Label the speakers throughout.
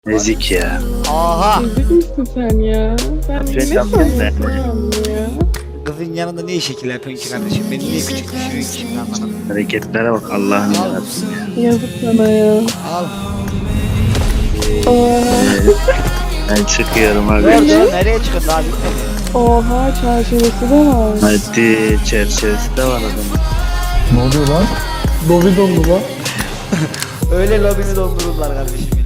Speaker 1: Ezik ya.
Speaker 2: Aha.
Speaker 3: Ezik misin sen ya? Sen ne
Speaker 1: Reklam
Speaker 3: sanıyorsun
Speaker 1: geldi.
Speaker 3: ya?
Speaker 2: Kızın yanında niye şekil yapıyorsun ki kardeşim? Beni niye küçük düşürüyorsun ki şimdi anlamadım.
Speaker 1: Hareketlere bak Allah'ın yarabbim ya.
Speaker 3: Yazık sana ya.
Speaker 2: Al.
Speaker 1: Ben çıkıyorum abi.
Speaker 2: Dur nereye çıkıyorsun abi?
Speaker 3: Oha çerçevesi de var.
Speaker 1: Hadi çerçevesi de var adamın.
Speaker 4: Ne oluyor lan? Dobi dondu lan.
Speaker 2: Öyle lobini doldururlar kardeşim benim.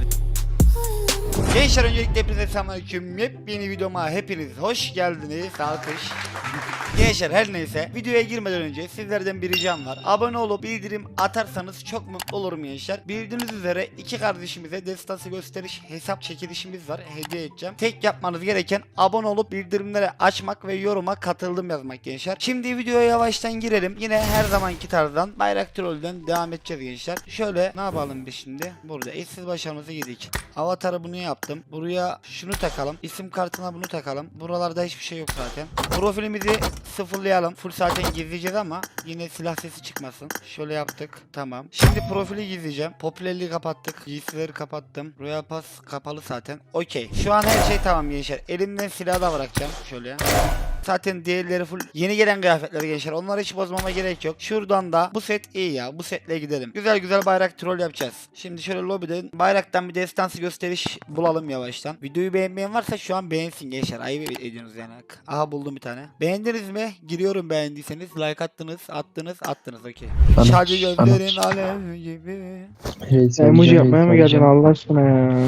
Speaker 2: Gençler öncelikle hepinize selamünaleyküm. Yepyeni videoma hepiniz hoş geldiniz. Alkış. Gençler her neyse videoya girmeden önce sizlerden bir ricam var. Abone olup bildirim atarsanız çok mutlu olurum gençler. Bildiğiniz üzere iki kardeşimize destansı gösteriş hesap çekilişimiz var. Hediye edeceğim. Tek yapmanız gereken abone olup bildirimleri açmak ve yoruma katıldım yazmak gençler. Şimdi videoya yavaştan girelim. Yine her zamanki tarzdan bayrak trollden devam edeceğiz gençler. Şöyle ne yapalım biz şimdi? Burada eşsiz başarımızı yedik. Avatarı bunu yaptım. Buraya şunu takalım. İsim kartına bunu takalım. Buralarda hiçbir şey yok zaten. Profilimizi sıfırlayalım. Full zaten gizleyeceğiz ama yine silah sesi çıkmasın. Şöyle yaptık. Tamam. Şimdi profili gizleyeceğim. Popülerliği kapattık. Giysileri kapattım. Royal Pass kapalı zaten. Okey. Şu an her şey tamam gençler. Elimden silahı da bırakacağım. Şöyle. Zaten diğerleri full yeni gelen kıyafetler gençler. Onları hiç bozmama gerek yok. Şuradan da bu set iyi ya. Bu setle gidelim. Güzel güzel bayrak troll yapacağız. Şimdi şöyle lobiden bayraktan bir destansı gösteriş bulalım yavaştan. Videoyu beğenmeyen varsa şu an beğensin gençler. Ayıp ediyorsunuz yani. Aha buldum bir tane. Beğendiniz mi? Giriyorum beğendiyseniz. Like attınız. Okey. Şarjı gönderin alev gibi.
Speaker 4: Emoji yapmaya mı geldin Allah aşkına ya?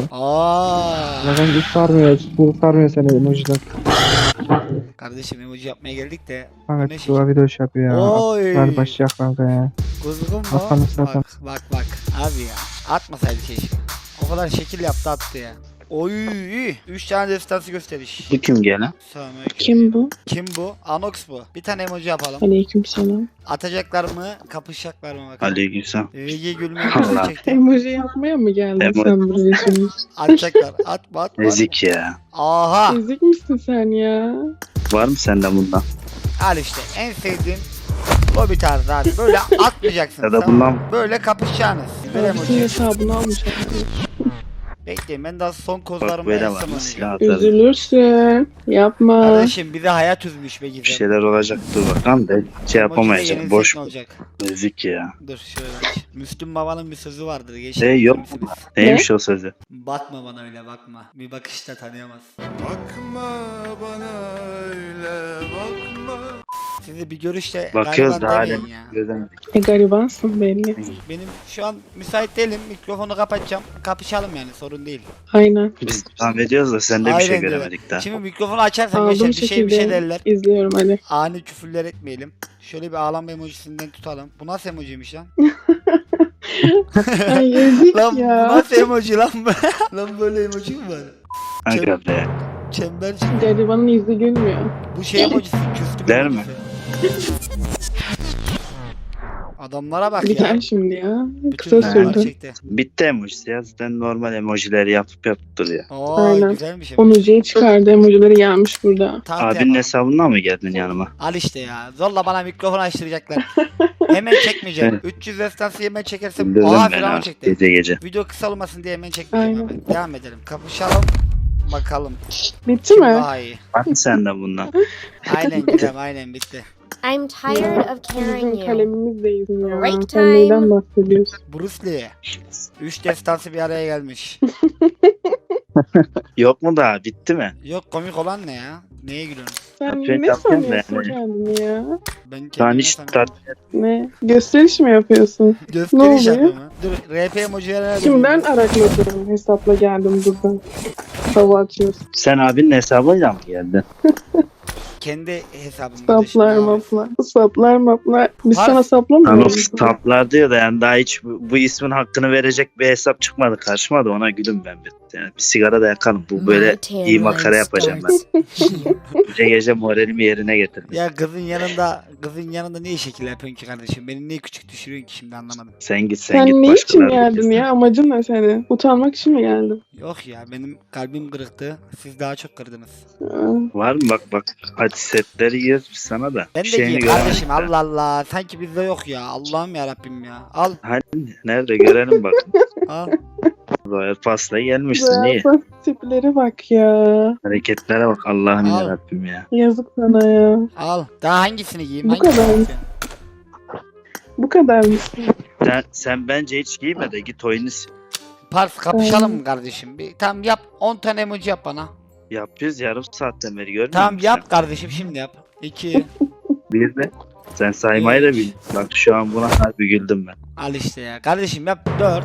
Speaker 4: Zaten hiç sarmıyor. Bu sarmıyor seni emojiden.
Speaker 2: Kardeşim emoji yapmaya geldik de.
Speaker 4: Kanka
Speaker 2: Ne
Speaker 4: tuva video iş yapıyor ya.
Speaker 2: Oy.
Speaker 4: Ver başlayacak kanka ya.
Speaker 2: Kuzgun mu?
Speaker 4: Hasan zaten.
Speaker 2: Bak. Abi ya. Atmasaydı keşke. O kadar şekil yaptı attı ya. Oy. 3 tane destansı gösteriş.
Speaker 1: Bu kim gene?
Speaker 2: Selamünaleyküm.
Speaker 3: Kim bu?
Speaker 2: Kim bu? Anox bu. Bir tane emoji yapalım.
Speaker 3: Aleykümselam.
Speaker 2: Atacaklar mı? Kapışacaklar mı bakalım.
Speaker 1: Aleykümselam.
Speaker 2: VG gülmeyi
Speaker 1: Allah.
Speaker 2: çekti.
Speaker 3: Emoji yapmaya mı geldin
Speaker 1: Emoji.
Speaker 3: sen buraya şimdi?
Speaker 2: Atacaklar. Atma.
Speaker 1: Ezik ya.
Speaker 2: Aha.
Speaker 3: Ezik misin sen ya?
Speaker 1: Var mı sende bundan?
Speaker 2: Al işte. En sevdiğim lobby tarzı abi. Böyle atmayacaksınız.
Speaker 1: Ya da
Speaker 2: tamam mı?
Speaker 1: bundan
Speaker 2: Böyle kapışacaksınız. Ver
Speaker 3: Bütün
Speaker 2: emoji.
Speaker 3: hesabını almış abi.
Speaker 2: Bekleyin ben daha son
Speaker 1: bak
Speaker 2: kozlarımı
Speaker 1: böyle var
Speaker 2: yazsam
Speaker 1: mı
Speaker 2: onu.
Speaker 1: silah atarım.
Speaker 3: Üzülürsün. Yapma.
Speaker 2: Kardeşim bize hayat üzmüş be
Speaker 1: Bir
Speaker 2: Gizem.
Speaker 1: şeyler olacak dur bakalım da şey yapamayacağım.
Speaker 2: Emoji'de
Speaker 1: Boş
Speaker 2: yenilsek ne olacak?
Speaker 1: ezik ya.
Speaker 2: Dur şöyle aç. Müslüm Baba'nın bir sözü vardır. Geçer
Speaker 1: Yok
Speaker 2: misiniz?
Speaker 1: mu? Neymiş o sözü?
Speaker 2: Bakma bana öyle bakma. Bir bakışta tanıyamaz.
Speaker 5: Bakma bana öyle bakma.
Speaker 2: Sizi bir görüşte
Speaker 1: Bakıyoruz da
Speaker 2: gariban
Speaker 1: halen
Speaker 2: demeyin ya.
Speaker 1: gözemedik.
Speaker 3: Garibansın belli.
Speaker 2: Benim şu an müsait değilim. Mikrofonu kapatacağım. Kapışalım yani sorun değil.
Speaker 3: Aynen.
Speaker 1: Biz devam ediyoruz da sende bir şey
Speaker 2: Aynen öyle.
Speaker 1: göremedik daha.
Speaker 2: Şimdi mikrofonu açarsan
Speaker 3: Aldığım
Speaker 2: geçer bir şey
Speaker 3: şekilde
Speaker 2: derler.
Speaker 3: izliyorum hadi.
Speaker 2: Ani küfürler etmeyelim. Şöyle bir ağlama emojisinden tutalım. Bu nasıl emojiymiş lan?
Speaker 3: Ay ezik
Speaker 2: Lan bu
Speaker 3: ya.
Speaker 2: nasıl emoji lan? Lan böyle emoji mi var?
Speaker 1: Aga be.
Speaker 2: Çember çember.
Speaker 3: Garibanın yüzü gülmüyor.
Speaker 2: Bu şey emojisi küstü
Speaker 1: Der
Speaker 2: emojisi. Adamlara bak ya.
Speaker 3: Biter şimdi ya.
Speaker 2: Bütün
Speaker 3: Kısa
Speaker 2: adamlar
Speaker 3: sürdü.
Speaker 2: çekti.
Speaker 1: Bitti emojisi ya. Zaten normal emojileri yapıp duruyor.
Speaker 2: Oo
Speaker 3: Aynen.
Speaker 2: güzelmiş emoji.
Speaker 3: Onucuya çıkardı emojileri gelmiş burada.
Speaker 2: Tam
Speaker 1: Abinin
Speaker 2: tema.
Speaker 1: hesabından mı geldin yanıma?
Speaker 2: Al işte ya. Zorla bana mikrofon açtıracaklar. Hemen çekmeyeceğim. 300 destansı hemen çekersem
Speaker 1: Bildirdim
Speaker 2: oha
Speaker 1: beni
Speaker 2: falan
Speaker 1: artık
Speaker 2: çekti.
Speaker 1: gece gece.
Speaker 2: Video kısa olmasın diye hemen çekmeyeceğim
Speaker 3: Aynen.
Speaker 2: abi. Devam edelim. Kapışalım. Bakalım.
Speaker 3: Bitti
Speaker 2: Kim
Speaker 3: mi?
Speaker 2: daha iyi.
Speaker 1: Var mı sende bundan?
Speaker 2: Aynen güzel aynen bitti.
Speaker 6: I'm tired of carrying
Speaker 3: Bizim
Speaker 6: you.
Speaker 3: kalemimiz değil ya.
Speaker 6: Break
Speaker 3: Sen
Speaker 6: time.
Speaker 3: neyden bahsediyorsun?
Speaker 2: Bruce Lee. 3 destansı bir araya gelmiş.
Speaker 1: Yok mu daha? Bitti mi?
Speaker 2: Yok komik olan ne ya? Neye gülüyorsun?
Speaker 3: Sen
Speaker 1: Şey
Speaker 3: ne
Speaker 1: yapacağım da
Speaker 3: sanıyorsun
Speaker 1: yani.
Speaker 3: kendini ya?
Speaker 2: Ben
Speaker 1: Daha
Speaker 2: kendime
Speaker 1: hiç
Speaker 2: sanıyorum.
Speaker 3: Ne? Gösteriş mi yapıyorsun?
Speaker 2: Gösteriş
Speaker 3: Ne oluyor?
Speaker 2: yapıyor mu? Dur RP emojilerine
Speaker 3: Kimden arakladım? Hesapla geldim buradan. Hava atıyorsun.
Speaker 1: Sen abinin hesabıyla mı geldin?
Speaker 2: Kendi hesabımda.
Speaker 3: Saplar maplar. Saplar maplar. Biz
Speaker 2: Harf-
Speaker 3: sana saplamıyoruz.
Speaker 1: Anox taplar diyor da yani daha hiç bu ismin hakkını verecek bir hesap çıkmadı karşıma da ona gülüm ben bir. Yani bir sigara da yakalım. Bu böyle iyi makara yapacağım ben. Gece gece moralimi yerine getirdim.
Speaker 2: Ya kızın yanında niye şekil yapıyorsun ki kardeşim? Beni niye küçük düşürüyorsun ki şimdi anlamadım.
Speaker 1: Sen git
Speaker 3: Sen
Speaker 1: git
Speaker 3: ne için
Speaker 1: başkalarına
Speaker 3: geldin
Speaker 1: git.
Speaker 3: ya? Amacın ne senin? Utanmak için mi geldin?
Speaker 2: Yok ya benim kalbim kırıktı. Siz daha çok kırdınız.
Speaker 3: Aa,
Speaker 1: Var mı bak hadi setleri yiyoruz biz sana da.
Speaker 2: Ben
Speaker 1: Bir
Speaker 2: de
Speaker 1: şeyini
Speaker 2: giyeyim
Speaker 1: göremedik
Speaker 2: kardeşim
Speaker 1: de.
Speaker 2: Allah Allah. Sanki bizde yok ya. Allah'ım ya Rabbim ya. Al
Speaker 1: Hadi nerede görelim bak.
Speaker 2: al.
Speaker 1: Royal Pass'la gelmişsin iyi.
Speaker 3: Zaten tiplere bak ya.
Speaker 1: Hareketlere bak Allah'ım
Speaker 2: Al.
Speaker 1: yarabbim ya.
Speaker 3: Yazık sana ya.
Speaker 2: Al. Daha hangisini giyeyim?
Speaker 3: Bu
Speaker 2: Hangisini
Speaker 3: kadar.
Speaker 2: giyeyim?
Speaker 3: Bu kadar mısın?
Speaker 1: Sen bence hiç giyme de git oyunu sil.
Speaker 2: Pars kapışalım mı kardeşim? Bir, tamam yap. 10 tane emoji yap bana.
Speaker 1: Yapıyoruz yarım saatten beri görmüyor
Speaker 2: Tamam
Speaker 1: musun
Speaker 2: yap kardeşim şimdi yap. 2.
Speaker 1: Bir de sen saymayı da bil. Bak şu an buna harbi güldüm ben.
Speaker 2: Al işte ya. Kardeşim yap 4.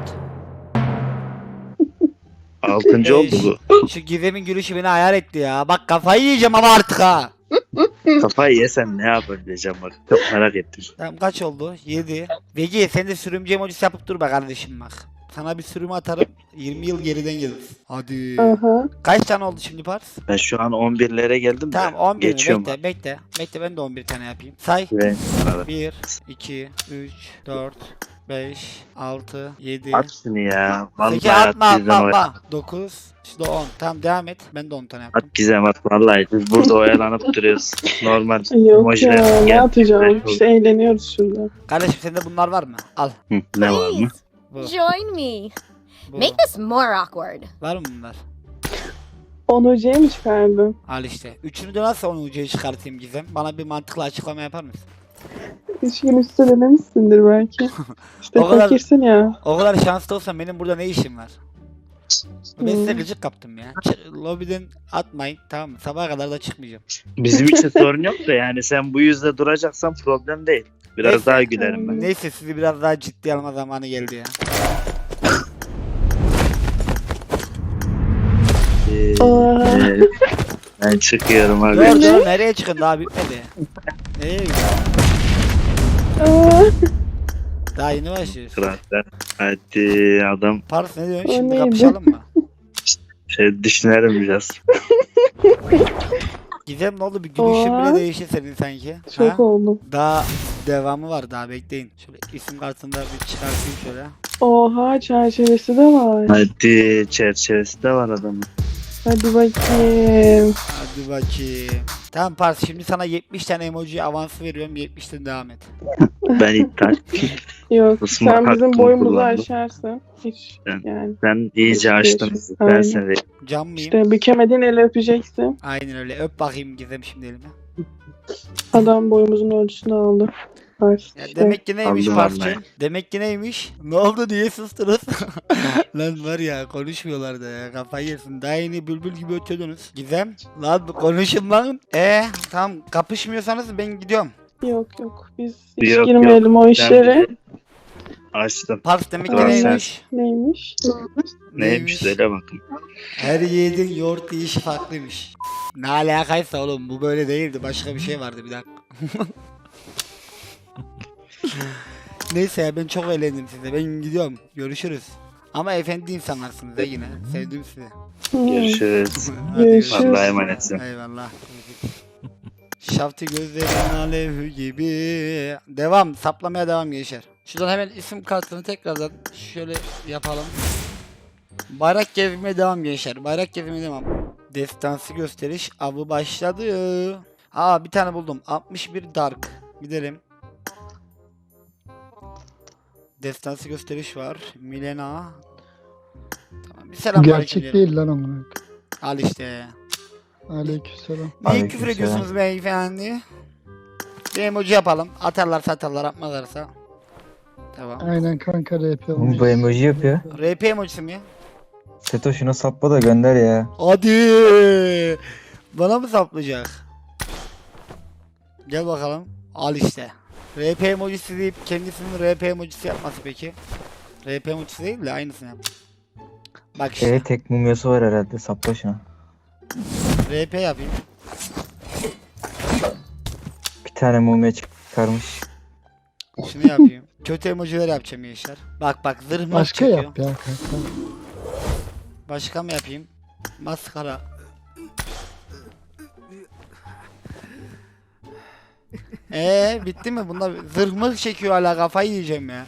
Speaker 1: 6. oldu bu.
Speaker 2: Şu Gizem'in gülüşü beni ayar etti ya. Bak kafayı yiyeceğim ama artık ha.
Speaker 1: Kafayı yesen ne yapabileceğim bak. Çok merak ettim.
Speaker 2: Tamam kaç oldu? 7. Vegi sen de sürümcü emojisi yapıp dur be kardeşim bak. Sana bir sürüm atarım. 20 yıl geriden geliriz. Hadi.
Speaker 3: Aha.
Speaker 2: Kaç tane oldu şimdi Pars?
Speaker 1: Ben şu an 11'lere geldim de.
Speaker 2: Tamam 11
Speaker 1: geçiyorum.
Speaker 2: bekle. Bekle ben de 11 tane yapayım. Say.
Speaker 1: Ve
Speaker 2: 1, 2, 3, 4, 5, 6, 7,
Speaker 1: at şunu ya. Vallahi
Speaker 2: 8,
Speaker 1: at
Speaker 2: atma
Speaker 1: Gizem at.
Speaker 2: 9, işte 10. Tamam devam et. Ben de 10 tane yaptım.
Speaker 1: At Gizem at vallahi. Biz burada oyalanıp duruyoruz. Normal.
Speaker 3: Yok
Speaker 1: emojiler
Speaker 3: ya ne
Speaker 1: gel-
Speaker 3: atacağım? İşte eğleniyoruz şurada.
Speaker 2: Kardeşim sende bunlar var mı? Al.
Speaker 1: Hı, ne var mı?
Speaker 6: Please
Speaker 2: Bu.
Speaker 6: join me.
Speaker 2: Bu.
Speaker 6: Make this more awkward.
Speaker 2: Var mı bunlar?
Speaker 3: 10 hocaya mı çıkardın?
Speaker 2: Al işte. Üçünü de nasıl 10 ucuya çıkartayım Gizem? Bana bir mantıklı açıklama yapar mısın?
Speaker 3: 3 gün üstü denemişsindir belki. İşte
Speaker 2: O kadar-
Speaker 3: fakirsin ya.
Speaker 2: O kadar şanslı olsam benim burada ne işim var? Ben size gıcık kaptım ya. Lobiden atmayın tamam mı? Sabaha kadar da çıkmayacağım.
Speaker 1: Bizim için sorun yok da yani sen bu yüzde duracaksan problem değil. Biraz
Speaker 2: Neyse.
Speaker 1: daha gülerim ben.
Speaker 2: Neyse sizi biraz daha ciddi alma zamanı geldi ya.
Speaker 3: Aa.
Speaker 1: Ben çıkıyorum abi.
Speaker 2: Dur nereye çıkın daha bitmedi. Nereye gidiyorsun?
Speaker 3: Aa,
Speaker 2: Daha yeni başlıyoruz.
Speaker 1: Kıraatlar. Hadi adam
Speaker 2: Pars ne diyorsun
Speaker 3: O
Speaker 2: şimdi
Speaker 3: neydi?
Speaker 2: kapışalım mı?
Speaker 1: düşünelim biraz.
Speaker 2: Gizem ne oldu bir gülüşün
Speaker 3: Oha.
Speaker 2: bile değişti senin sanki.
Speaker 3: çok
Speaker 2: Ha?
Speaker 3: oldum.
Speaker 2: Daha devamı var daha bekleyin. Şöyle isim kartında bir çıkartayım şöyle.
Speaker 3: Oha çerçevesi de var.
Speaker 1: Hadi çerçevesi de var adamın.
Speaker 3: Hadi bakayım.
Speaker 2: Hadi bakayım. Tamam Pars şimdi sana 70 tane emoji avansı veriyorum 70'ten devam et.
Speaker 1: Ben iptal.
Speaker 3: Yok
Speaker 1: Isınma
Speaker 3: sen bizim
Speaker 1: hakkımı
Speaker 3: boyumuzu
Speaker 1: kullandım.
Speaker 3: aşarsın. Hiç
Speaker 1: Ben-
Speaker 3: yani.
Speaker 1: Sen iyice açtın. Ben
Speaker 3: Aynen.
Speaker 1: seni.
Speaker 2: Cam mıyım?
Speaker 3: İşte bükemediğin eli öpeceksin.
Speaker 2: Aynen öyle öp bakayım Gizem şimdi elime.
Speaker 3: Adam boyumuzun ölçüsünü aldı. Pars
Speaker 2: Ya
Speaker 3: işte.
Speaker 2: demek ki neymiş
Speaker 1: Aldım
Speaker 2: Pars'cığım?
Speaker 1: vallahi.
Speaker 2: Demek ki neymiş? Ne oldu diye sustunuz. Lan var ya konuşmuyorlar da ya kafayı yersin. Daha yeni bülbül gibi ötüyordunuz. Gizem lan konuşun lan. Tamam kapışmıyorsanız ben gidiyorum.
Speaker 3: Yok biz hiç
Speaker 1: Yok,
Speaker 3: girmeyelim o işlere.
Speaker 1: Açtım.
Speaker 2: Pars demek ki
Speaker 1: Tamam,
Speaker 2: neymiş?
Speaker 3: Neymiş?
Speaker 1: Neymiş söyle bakın.
Speaker 2: Her yiğidin yoğurt yiyişi farklıymış. Ne alakaysa oğlum bu böyle değildi. Başka bir şey vardı bir dakika. Neyse ya ben çok eğlendim size. Ben gidiyorum. Görüşürüz. Ama efendi insanlarsınız da yine. Sevdim sizi.
Speaker 1: Görüşürüz.
Speaker 2: Hadi
Speaker 3: Görüşürüz.
Speaker 1: Allah'a emanetsin.
Speaker 2: Eyvallah. Şaftı gözlerin alev gibi. Devam. Saplamaya devam gençler. Şuradan hemen isim kartını tekrardan şöyle yapalım. Bayrak gezmeye devam gençler. Bayrak gezmeye devam. Destansı gösteriş avı başladı. Bir tane buldum. 61 Dark. Gidelim. Destansı gösteriş var. Milena. Tamam bir selam
Speaker 4: Gerçek değil lan amına.
Speaker 2: Al işte.
Speaker 4: Aleykümselam.
Speaker 2: Niye küfür ediyorsunuz beyefendi? Bir emoji yapalım. Atarlar atmazlarsa. Tamam.
Speaker 4: Aynen kanka rap
Speaker 7: Oğlum
Speaker 4: olmuş.
Speaker 7: bu emoji yapıyor.
Speaker 2: RP emojisi mi?
Speaker 7: Seto şunu sapla da gönder ya.
Speaker 2: Hadi. Bana mı saplayacak? Gel bakalım. Al işte. RP emojisi deyip kendisinin RP emojisi yapması peki. RP emojisi değil de aynısını yap. Bak işte.
Speaker 7: Tek mumyası var herhalde sapla şunu.
Speaker 2: RP yapayım.
Speaker 7: Bir tane mumya çıkarmış.
Speaker 2: Şunu yapayım. Kötü emojiler yapacağım gençler. Bak zırh mı
Speaker 4: Başka
Speaker 2: çekiyor.
Speaker 4: yap ya kanka.
Speaker 2: Başka mı yapayım? Maskara. Bitti mi? Bunda zırh mı çekiyor hala kafayı yiyeceğim ya.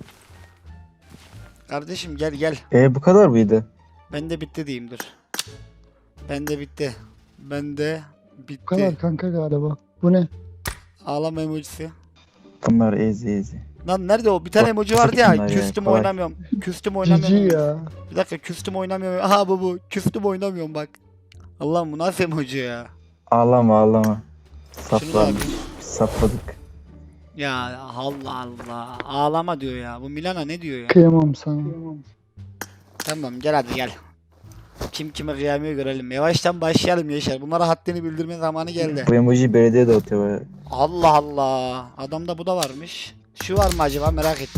Speaker 2: Kardeşim gel.
Speaker 7: Bu kadar mıydı?
Speaker 2: Bende bitti diyeyim dur. Bende bitti. Bende
Speaker 4: Bu kadar
Speaker 2: bitti.
Speaker 4: kanka galiba. Bu ne?
Speaker 2: Ağlama emojisi.
Speaker 7: Bunlar easy.
Speaker 2: Lan nerede o? Bir tane emoji vardı
Speaker 7: Bunlar
Speaker 2: ya.
Speaker 7: ya,
Speaker 2: Küstüm
Speaker 7: kolay.
Speaker 2: oynamıyorum. Küstüm
Speaker 4: Cici
Speaker 2: oynamıyorum.
Speaker 4: ya.
Speaker 2: Bir dakika küstüm oynamıyorum. Aha bu. Küstüm oynamıyorum bak. Allah'ım bu nasıl emoji ya?
Speaker 7: Ağlama ağlama.
Speaker 2: Şunu da
Speaker 7: Saplandık.
Speaker 2: yapayım.
Speaker 7: Sapladık.
Speaker 2: Ya Allah Allah. Ağlama diyor ya. Bu Milana ne diyor ya?
Speaker 4: Kıyamam sana.
Speaker 2: Tamam gel hadi gel. Kim kime kıyamıyor görelim. Yavaştan başlayalım Yaşar. Bunlara haddini bildirme zamanı geldi.
Speaker 7: Bu emoji belediye dağıtıyor baya.
Speaker 2: Allah Allah. Adamda bu da varmış. Şu var mı acaba merak ettim.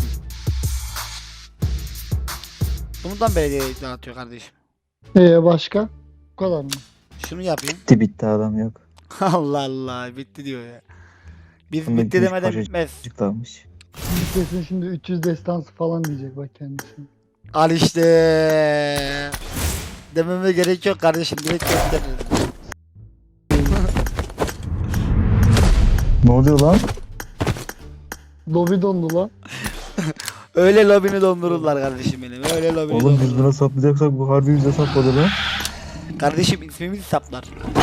Speaker 2: Bundan belediye dağıtıyor kardeşim.
Speaker 4: Başka? Bu kadar mı?
Speaker 2: Şunu yapayım.
Speaker 7: Bitti adam yok.
Speaker 2: Allah Allah bitti diyor ya. Biz
Speaker 7: Bunda
Speaker 2: bitti
Speaker 7: gümüş
Speaker 2: demeden
Speaker 7: parça-
Speaker 2: bitmez.
Speaker 7: Açıklanmış.
Speaker 4: Şimdi kesin şimdi 300 destansı falan diyecek bak kendisi.
Speaker 2: Al işte. Dememe gerek yok kardeşim. Direkt gösteririz.
Speaker 7: Ne oluyor lan?
Speaker 4: Lobi dondu lan.
Speaker 2: Öyle lobini dondururlar kardeşim benim. Öyle lobini
Speaker 7: Oğlum biz
Speaker 2: dondururlar.
Speaker 7: buna saplayacaksak bu harbi bize sapladı lan.
Speaker 2: Kardeşim ismimiz saplar.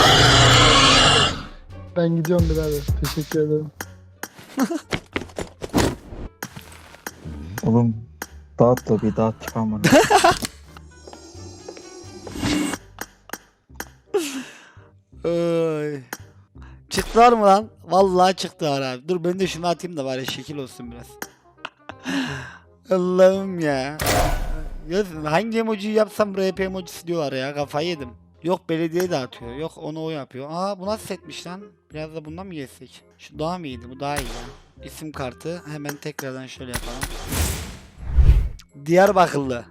Speaker 4: Ben gidiyorum birader. Teşekkür ederim.
Speaker 7: Oğlum dağıt da bir dağıt çıkan bana.
Speaker 2: Ay. Çıktılar mı lan? Vallahi çıktılar abi. Dur ben de şunu atayım da bari şekil olsun biraz. Allah'ım ya. Ya hangi emojiyi yapsam RP emojisi diyorlar ya. Kafayı yedim. Yok belediye dağıtıyor. Yok onu o yapıyor. Aa bu nasıl setmiş lan? Biraz da bundan mı geçsek? Şu daha mı iyiydi? Bu daha iyi ya. İsim kartı. Hemen tekrardan şöyle yapalım. Diyarbakırlı.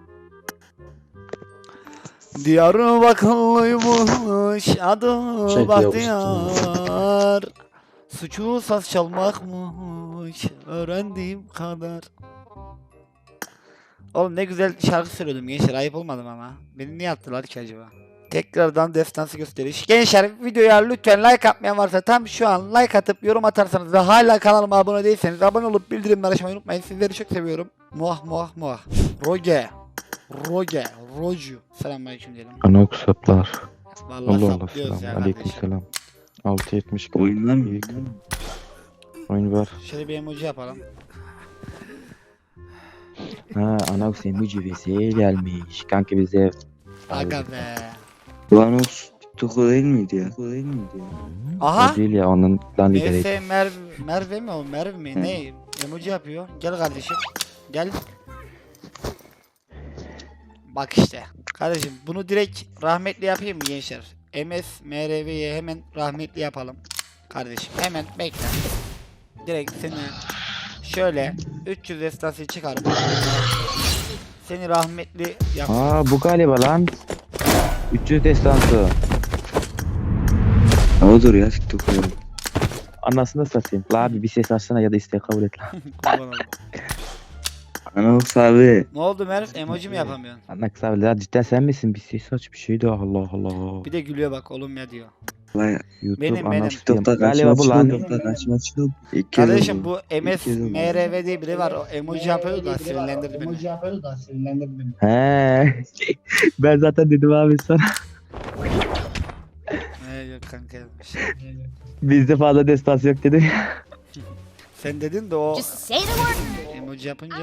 Speaker 2: Diyarbakırlıymış adı
Speaker 8: Şey,
Speaker 2: Bahtiyar. Suçu saz çalmakmış öğrendiğim kadar. Oğlum ne güzel şarkı söylüyordum gençler, ayıp olmadı mı ama? Beni niye attılar ki acaba? Tekrardan destansı gösteriş. Gençler videoya lütfen like atmayan varsa tam şu an like atıp yorum atarsanız ve hala kanalıma abone değilseniz abone olup bildirimleri açmayı unutmayın. Sizleri çok seviyorum. Muah muah muah. Roju. Selamünaleyküm diyelim.
Speaker 8: Anok saplar.
Speaker 2: Vallahi
Speaker 8: Allah Allah
Speaker 2: saplıyoruz
Speaker 8: selam.
Speaker 2: ya
Speaker 8: Aleyküm
Speaker 2: kardeşim.
Speaker 8: selam. 670
Speaker 1: Oyunlar mı?
Speaker 8: İyi. Oyun var.
Speaker 2: Şöyle bir emoji yapalım.
Speaker 8: Ha Anok emoji vs gelmiş. Kanka bize
Speaker 2: Aga be.
Speaker 1: Ulan o TikTok'u değil miydi ya? O değil miydi ya?
Speaker 2: Aha.
Speaker 8: o değil ya onun lan lideri.
Speaker 2: MS Merve mi o? Merve mi? Ne? Emoji yapıyor. Gel kardeşim. Gel. Bak işte. Kardeşim bunu direkt rahmetli yapayım mı gençler? MS MRV'ye hemen rahmetli yapalım. Kardeşim hemen bekle. Direkt seni şöyle 300 estası çıkarıp seni rahmetli yap.
Speaker 8: Aa bu galiba lan. 300 destansı.
Speaker 1: Odur ya TikTok'u.
Speaker 8: Anasını satayım. La abi bir ses açsana ya da isteği kabul et lan.
Speaker 2: Kurban olayım.
Speaker 1: Anox abi.
Speaker 2: Ne oldu Merv? Emoji mi yapamıyorsun?
Speaker 8: Anaks abi la cidden sen misin? Bir ses aç bir şey de Allah Allah.
Speaker 2: Bir de gülüyor bak oğlum ya diyor.
Speaker 1: Vay,
Speaker 8: YouTube
Speaker 2: Benim.
Speaker 8: Anaks
Speaker 1: TikTok'ta
Speaker 8: galiba bu lan.
Speaker 1: Karşıma çıkıldı. İlk kez
Speaker 2: Kardeşim
Speaker 1: oldu.
Speaker 2: bu MS
Speaker 1: kez oldu.
Speaker 2: MRV diye biri var. O emoji yapıyor da sinirlendirdi beni.
Speaker 8: He. Ben zaten dedim abi sana.
Speaker 2: Yok kanka yazmış.
Speaker 8: Bizde fazla destansı yok dedim.
Speaker 2: Sen dedin de o
Speaker 6: Just say the word.
Speaker 2: emoji yapınca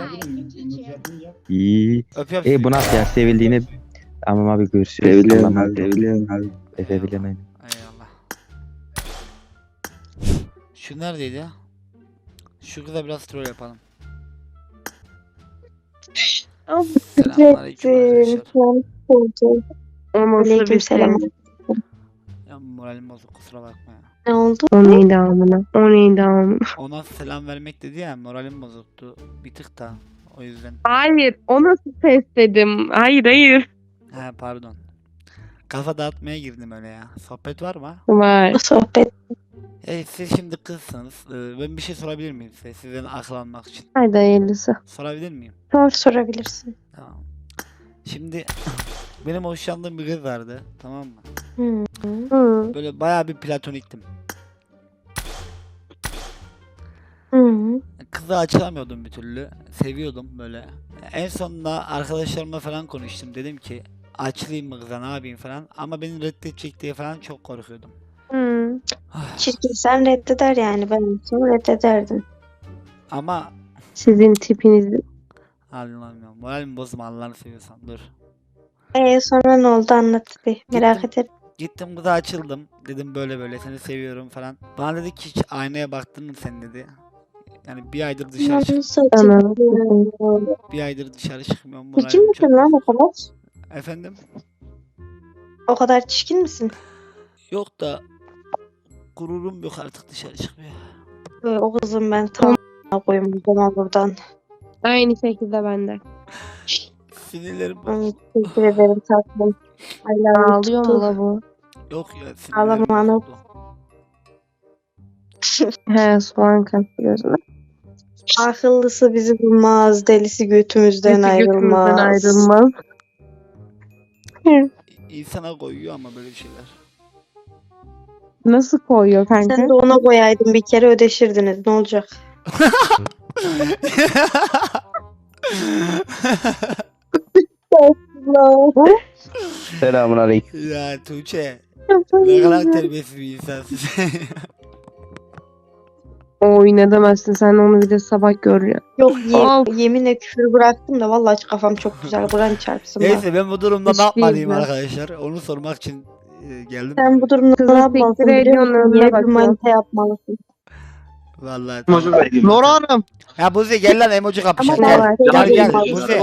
Speaker 8: İyi.
Speaker 2: öpüyorum
Speaker 8: Bu nasıl ya sevildiğini tamam abi görüşürüz.
Speaker 1: Seviliyorum
Speaker 8: Allah'a
Speaker 1: abi.
Speaker 8: emanet ol.
Speaker 1: Seviliyorum abi.
Speaker 8: Sevebilirim.
Speaker 2: Eyvallah. Şu neredeydi ya? Şu kıza biraz troll yapalım. Selamünaleyküm arkadaşlar.
Speaker 3: Aleykümselam.
Speaker 2: Ya moralim bozuk kusura bakma ya.
Speaker 3: Ne oldu? O neydi amına? O neydi amına?
Speaker 2: Ona selam vermek dedi ya moralim bozuktu. Bir tık da o yüzden.
Speaker 3: Hayır, o nasıl ses dedim? Hayır, hayır.
Speaker 2: He pardon. Kafa dağıtmaya girdim öyle ya. Sohbet var mı?
Speaker 3: Var. Sohbet.
Speaker 2: Siz şimdi kızsınız. Ben bir şey sorabilir miyim size? Sizden aklanmak için.
Speaker 3: Haydi hayırlısı.
Speaker 2: Sorabilir miyim?
Speaker 3: Sorabilirsin.
Speaker 2: Tamam. Şimdi benim hoşlandığım bir kız vardı. Tamam mı?
Speaker 3: Hı.
Speaker 2: Böyle bayağı bir platoniktim.
Speaker 3: Hı.
Speaker 2: Kızı açılamıyordum bir türlü. Seviyordum böyle. En sonunda arkadaşlarımla falan konuştum. Dedim ki açılayım mı kıza ne yapayım falan. Ama beni reddedecek diye falan çok korkuyordum.
Speaker 9: Çirkin sen reddeder yani ben olsam reddederdim.
Speaker 2: Ama
Speaker 9: Sizin tipinizi.
Speaker 2: Allah'ım ya. Moralimi bozma Allah'ını seviyorsan. Dur.
Speaker 9: Sonra ne oldu anlat bir. Merak ederim.
Speaker 2: Gittim kıza açıldım. Dedim böyle böyle seni seviyorum falan. Bana dedi ki hiç aynaya baktın mı sen dedi. Yani bir aydır dışarı bir aydır dışarı çıkmıyorum.
Speaker 9: Çirkin
Speaker 2: Moralim
Speaker 9: misin
Speaker 2: çok
Speaker 9: lan o
Speaker 2: bozuk.
Speaker 9: kadar?
Speaker 2: Efendim?
Speaker 9: O kadar çirkin misin?
Speaker 2: Yok da gururum yok artık dışarı çıkmıyor.
Speaker 9: O kızım ben tam koyayım o zaman buradan.
Speaker 3: Aynı şekilde bende.
Speaker 2: Sinirlerim
Speaker 9: Teşekkür ederim tatlım.
Speaker 3: Ağlıyor mu la bu?
Speaker 2: yok ya
Speaker 9: Ağlama
Speaker 2: sinirlerim
Speaker 9: ana.
Speaker 2: bozuldu.
Speaker 3: He soğan kattı gözüme.
Speaker 9: Akıllısı bizi bulmaz, delisi götümüzden ayrılmaz.
Speaker 3: ayrılmaz.
Speaker 2: İnsana koyuyor ama böyle şeyler.
Speaker 3: Nasıl koyuyor kanka?
Speaker 9: Sen de ona koyaydın bir kere ödeşirdiniz. Ne olacak?
Speaker 8: Selamun aleyküm.
Speaker 2: Ya Tuğçe ne kadar terbiyesiz bir insansın.
Speaker 3: Oy ne demezsin sen onu bir de sabah görüyorsun.
Speaker 9: Yok
Speaker 3: Of.
Speaker 9: yeminle küfür bıraktım da vallahi kafam çok güzel. Buran çarpsın bak.
Speaker 2: Neyse ben bu durumda
Speaker 3: Hiç
Speaker 2: ne yapmalıyım
Speaker 3: değil
Speaker 2: arkadaşlar? Onu sormak için geldim.
Speaker 9: Sen bu durumda
Speaker 3: Kızı
Speaker 9: ne yapmalısın
Speaker 3: siktir
Speaker 9: biliyor
Speaker 3: ediyorsun,
Speaker 9: musun?
Speaker 3: önüne
Speaker 9: Yeni bir
Speaker 3: bakıyorsun.
Speaker 9: manita yapmalısın.
Speaker 2: Vallahi tamam.
Speaker 4: Nora Hanım.
Speaker 2: Ya Buzi gel lan emoji
Speaker 9: Ama
Speaker 2: kapışalım.
Speaker 9: ben
Speaker 2: Gel gel
Speaker 9: yapmalısın.
Speaker 2: Buzi.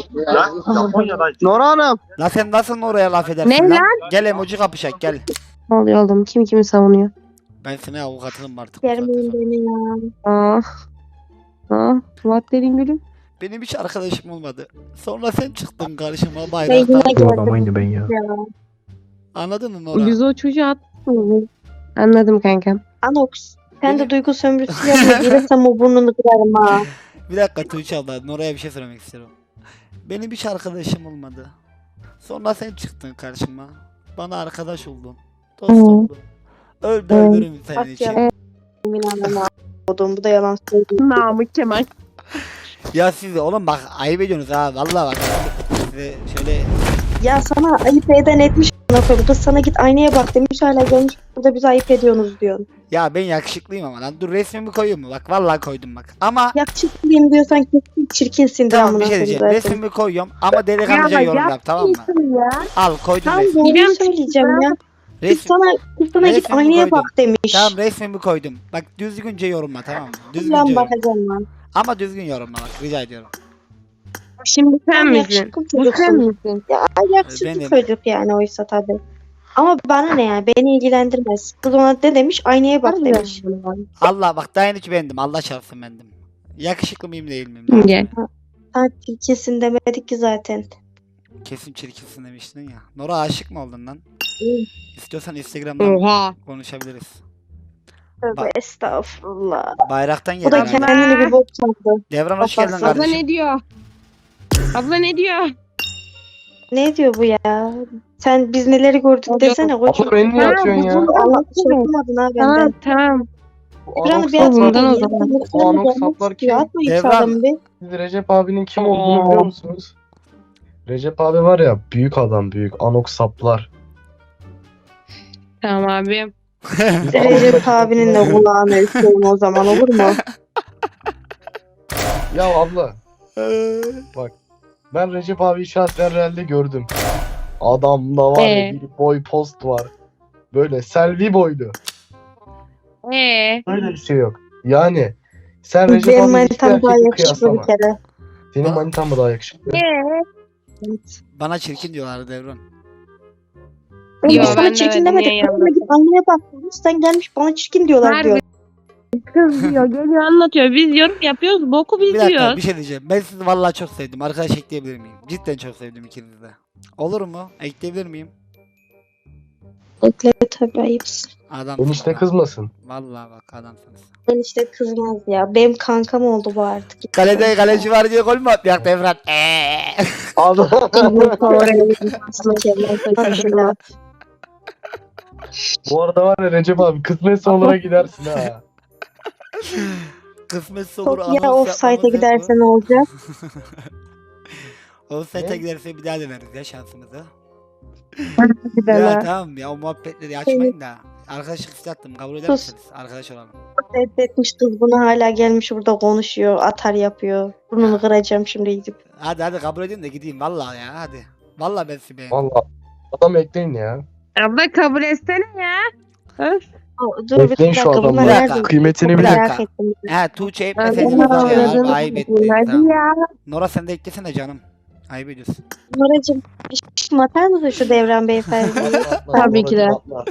Speaker 4: Nora Hanım.
Speaker 2: La sen nasıl oraya laf edersin
Speaker 3: Ne
Speaker 2: lan? Gel emoji kapışak gel.
Speaker 3: Ne oluyor oğlum? Kim kimi savunuyor?
Speaker 2: Ben sana avukatınım artık. bu
Speaker 9: Germeyin
Speaker 2: saatten sonra.
Speaker 9: beni ya.
Speaker 3: Ah. Ah. What dedin gülüm?
Speaker 2: Benim hiç arkadaşım olmadı. Sonra sen çıktın karşıma
Speaker 9: Ben
Speaker 2: bayraktan.
Speaker 9: yine geldim. Ya.
Speaker 2: Anladın mı Nora?
Speaker 3: Biz o çocuğu attık mı? Anladım kankam.
Speaker 9: Anox. Sen
Speaker 2: Benim-
Speaker 9: de duygu sömürüsü yapma. Gelirsem o burnunu kırarım ha.
Speaker 2: Bir dakika Tuğçe abla Nora'ya bir şey söylemek istiyorum. Benim hiç arkadaşım olmadı. Sonra sen çıktın karşıma. Bana arkadaş oldun. Dost
Speaker 3: Hı.
Speaker 2: oldun. Öl de öldürürüm senin
Speaker 9: Bak
Speaker 2: için.
Speaker 9: ya. Emin anlamı aldım. Bu da yalan söylüyor.
Speaker 3: Namık Kemal.
Speaker 2: Ya siz de oğlum bak ayıp ediyorsunuz ha vallahi bak. Size şöyle
Speaker 9: Ya sana ayıp eden etmiş. Kız sana git aynaya bak demiş hala gelmiş burada bizi ayıp ediyorsunuz diyorsun.
Speaker 2: ya ben yakışıklıyım ama lan dur resmimi koyayım mu? Bak vallahi koydum bak. Ama
Speaker 9: Yakışıklıyım diyorsan kesin çirkinsin de
Speaker 2: tamam bir
Speaker 9: amına
Speaker 2: şey
Speaker 9: koyayım
Speaker 2: diyeceğim.
Speaker 9: zaten.
Speaker 2: Resmimi koyuyorum ama delikanlıca yorum yap tamam mı? Al koydum
Speaker 9: Tamam
Speaker 2: resmimi.
Speaker 9: doğruyu söyleyeceğim ya. Kız
Speaker 2: Resim,
Speaker 9: sana git
Speaker 2: resmimi
Speaker 9: aynaya
Speaker 2: koydum.
Speaker 9: bak demiş.
Speaker 2: Tamam resmimi koydum. Bak düzgünce yorumla tamam mı? Düzgünce
Speaker 9: Lan
Speaker 2: yorumla.
Speaker 9: bakacağım lan.
Speaker 2: Ama düzgün yorumla bak rica ediyorum.
Speaker 3: Şimdi sen
Speaker 9: Sen
Speaker 3: misin?
Speaker 9: yakışıklı
Speaker 3: Bu sen
Speaker 9: çocuksun.
Speaker 3: misin?
Speaker 9: Ya yakışıklı
Speaker 2: Benim.
Speaker 9: çocuk yani oysa tabii. Ama bana ne yani beni ilgilendirmez. Kız ona ne demiş aynaya bak demiş.
Speaker 2: Allah bak daha hiç bendim. Allah çarpsın bendim. Yakışıklı mıyım değil miyim?
Speaker 3: Gel.
Speaker 9: Ha çirkinsin demedik ki zaten.
Speaker 2: Kesin çirkinsin demiştin ya. Nora aşık mı oldun lan? İstiyorsan Instagram'dan
Speaker 3: Oha.
Speaker 2: konuşabiliriz.
Speaker 9: Tövbe
Speaker 2: Ba-
Speaker 9: estağfurullah.
Speaker 2: Bayraktan
Speaker 9: O
Speaker 2: geldi.
Speaker 9: da
Speaker 2: herhalde.
Speaker 9: kendini bir bok sandı.
Speaker 2: Devran hoş geldin
Speaker 9: Abla
Speaker 3: Abla
Speaker 2: kardeşim.
Speaker 3: ne diyor? Abla ne diyor?
Speaker 9: Ne diyor bu ya? Sen biz neleri gördük desene koçum.
Speaker 4: Abla beni niye atıyorsun ya?
Speaker 9: Allah çekmedin ha
Speaker 3: Tamam
Speaker 9: benden.
Speaker 3: tamam.
Speaker 9: Devran'ı bir
Speaker 3: saplar
Speaker 9: atma.
Speaker 3: bundan o zaman.
Speaker 4: O anok saplar kim?
Speaker 9: Atma hiç
Speaker 2: Devran.
Speaker 9: adamı bir.
Speaker 4: Siz Recep abinin kim olduğunu biliyor musunuz? Recep abi var ya büyük adam büyük. Anok saplar.
Speaker 3: Tamam abi.
Speaker 9: Recep abinin de kulağını üfleyin o zaman olur mu?
Speaker 4: Ya abla ben Recep abi şahsen realde gördüm. Adamda var ya bir boy post var. Böyle selvi boylu. Böyle bir şey yok. Yani sen Recep
Speaker 9: Benim
Speaker 4: abi
Speaker 9: manitam daha yakışıklı bir kere.
Speaker 4: Senin manitan mı daha yakışıklı?
Speaker 2: Bana çirkin diyorlar Devran.
Speaker 9: Ben
Speaker 3: Yo,
Speaker 9: sana
Speaker 3: ben de
Speaker 9: çirkin
Speaker 3: öyle
Speaker 9: demedim.
Speaker 3: niye
Speaker 9: Kadına git anneye bak demiş. Sen gelmiş bana çirkin diyorlar
Speaker 3: Harbi.
Speaker 9: diyor.
Speaker 3: Kız diyor geliyor anlatıyor. Biz yorum yapıyoruz. Boku biz
Speaker 2: Bir dakika
Speaker 3: diyoruz.
Speaker 2: bir şey diyeceğim. Ben sizi vallahi çok sevdim. Arkadaş ekleyebilir miyim? Cidden çok sevdim ikinizi de. Olur mu? Ekleyebilir miyim?
Speaker 9: Ekle tabii ayıpsın.
Speaker 2: Adam.
Speaker 4: Enişte kızmasın.
Speaker 2: Vallahi bak adamsınız.
Speaker 9: Ben işte kızmaz ya. Benim kankam oldu bu artık.
Speaker 2: Kalede kaleci var diye gol mü atmayak Devran?
Speaker 4: Adam. Bu arada var ya Recep abi kısmetse onlara gidersin ha.
Speaker 2: Kısmetse olur.
Speaker 9: Ya
Speaker 2: anons
Speaker 9: offside'a
Speaker 2: yapmamız yok
Speaker 9: giderse
Speaker 2: mu?
Speaker 9: ne olacak?
Speaker 2: Offside'a
Speaker 4: Ne?
Speaker 2: giderse bir daha deneriz ya şansımızı.
Speaker 3: Bir de
Speaker 2: Ya
Speaker 3: la.
Speaker 2: tamam ya o muhabbetleri açmayın da. Arkadaşlık istedim kabul eder
Speaker 9: Sus.
Speaker 2: misiniz? Arkadaş olalım.
Speaker 9: Reddetmiş kız bunu hala gelmiş burada konuşuyor. Atar yapıyor. Burnunu kıracağım şimdi gidip.
Speaker 2: Hadi kabul edin de gideyim vallahi ya hadi. Vallahi ben sizi beğendim.
Speaker 4: Valla. Adam ekleyin ya.
Speaker 3: Abla kabul etsene ya.
Speaker 9: Dur bir
Speaker 4: Bekleyin şu
Speaker 9: dakika bunlar
Speaker 4: adamları.
Speaker 9: nerede?
Speaker 4: Kıymetini
Speaker 9: Çok
Speaker 2: bilin.
Speaker 9: merak ettim.
Speaker 2: He Tuğçe
Speaker 3: Ben
Speaker 2: etmeseydin
Speaker 3: de
Speaker 2: var ya
Speaker 3: anladım.
Speaker 2: ayıp etti.
Speaker 3: Hadi
Speaker 2: Tamam.
Speaker 3: ya.
Speaker 2: Nora sen de eklesene canım. Ayıp ediyorsun.
Speaker 9: Noracığım bir şişim atar mısın şu Devran beyefendi?
Speaker 3: Tabii ki de.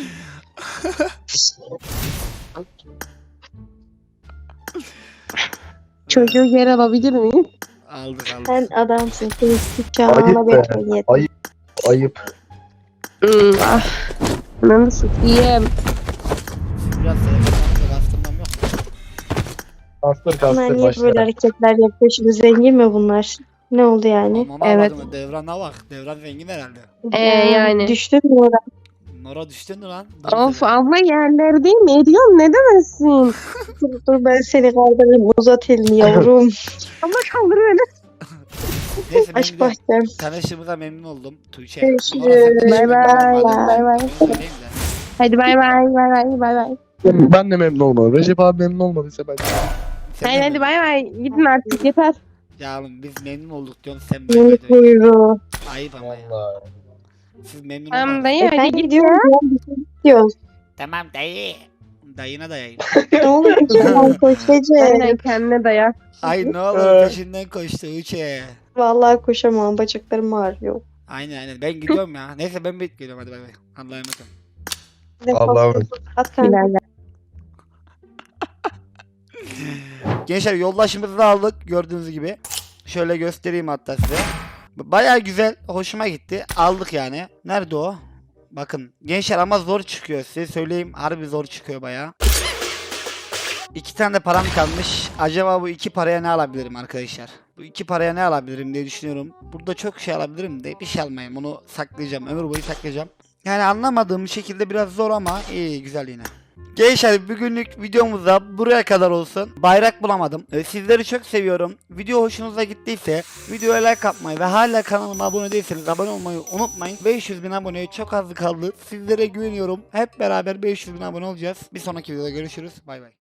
Speaker 3: Çocuğu geri alabilir miyim?
Speaker 2: Aldık.
Speaker 9: Sen adamsın. Seni
Speaker 4: Ayıp
Speaker 9: sıçağına
Speaker 4: be.
Speaker 9: bekle.
Speaker 4: Ayıp.
Speaker 3: Ah. Ananı sikeyim.
Speaker 2: Biraz sevgilim bastırmam yok.
Speaker 4: Kastır
Speaker 9: Bunlar
Speaker 4: kastır
Speaker 9: niye böyle
Speaker 4: başla.
Speaker 9: hareketler yapıyor? Şimdi zengin mi bunlar? Ne oldu yani?
Speaker 2: Ama
Speaker 3: Evet.
Speaker 2: evet. Devran'a bak. Devran zengin herhalde.
Speaker 3: Yani.
Speaker 9: Düştün mü oraya?
Speaker 2: Nora düştün mü lan?
Speaker 3: Of abla yerlerde mi? Ediyorsun ne demezsin?
Speaker 9: Dur ben seni kaldırırım. Uzat elini yavrum.
Speaker 3: Abla kaldır beni.
Speaker 2: Neyse ben
Speaker 9: Aşk
Speaker 2: gidiyorum.
Speaker 9: bahçem.
Speaker 2: Tanıştığımıza memnun oldum. Tuğçe.
Speaker 9: Görüşürüz.
Speaker 2: Nora, sen de
Speaker 3: Bay
Speaker 2: şimdi
Speaker 3: bay,
Speaker 2: bakmadın.
Speaker 3: bay bay.
Speaker 2: Onu söyleyeyim de.
Speaker 3: Hadi bay bay bay bay bay bay.
Speaker 4: Ben de memnun olmadım. Recep abi memnun olmadıysa ben.
Speaker 2: Sen de
Speaker 3: Hayır hadi
Speaker 2: memnun-
Speaker 3: bay bay. Gidin artık yeter.
Speaker 2: Ya oğlum biz memnun olduk diyorsun sen
Speaker 9: Yeni
Speaker 2: böyle.
Speaker 9: kuyruğu.
Speaker 2: Ayıp ama ya.
Speaker 4: Vallahi.
Speaker 2: Siz memnun
Speaker 3: Tamam
Speaker 2: olmadınız.
Speaker 3: dayı
Speaker 9: Sen
Speaker 3: hadi git
Speaker 9: gidiyorsun.
Speaker 3: ya.
Speaker 9: Ben bir şey gidiyoruz.
Speaker 2: Tamam dayı. Dayına dayayım.
Speaker 9: Ne olur peşinden koş
Speaker 3: Aynen
Speaker 9: Recep.
Speaker 3: kendine dayak.
Speaker 2: Ay ne olur peşinden koştu Tuğçe.
Speaker 9: Vallahi koşamam. Bacaklarım ağrıyor.
Speaker 2: Aynen ben gidiyorum ya. Neyse ben bekliyorum hadi bay bay. Allah'a emanet olun.
Speaker 4: Allah'a emanet.
Speaker 9: At kanka.
Speaker 3: Bilal'le.
Speaker 2: Gençler yoldaşımızı da aldık gördüğünüz gibi. Şöyle göstereyim hatta size. Baya güzel, hoşuma gitti. Aldık yani. Nerede o? Bakın gençler ama zor çıkıyor size söyleyeyim. Harbi zor çıkıyor baya. 2 tane de param kalmış. Acaba bu 2 paraya ne alabilirim arkadaşlar? Bu 2 paraya ne alabilirim diye düşünüyorum. Burada çok şey alabilirim de bir şey almayayım. Onu saklayacağım. Ömür boyu saklayacağım. Yani anlamadığım şekilde biraz zor ama iyi güzel yine. Gençler bugünlük videomuz da buraya kadar olsun. Bayrak bulamadım. Sizleri çok seviyorum. Video hoşunuza gittiyse videoya like atmayı ve hala kanalıma abone değilseniz abone olmayı unutmayın. 500.000 aboneye çok az kaldı. Sizlere güveniyorum. Hep beraber 500.000 abone olacağız. Bir sonraki videoda görüşürüz. Bay bay.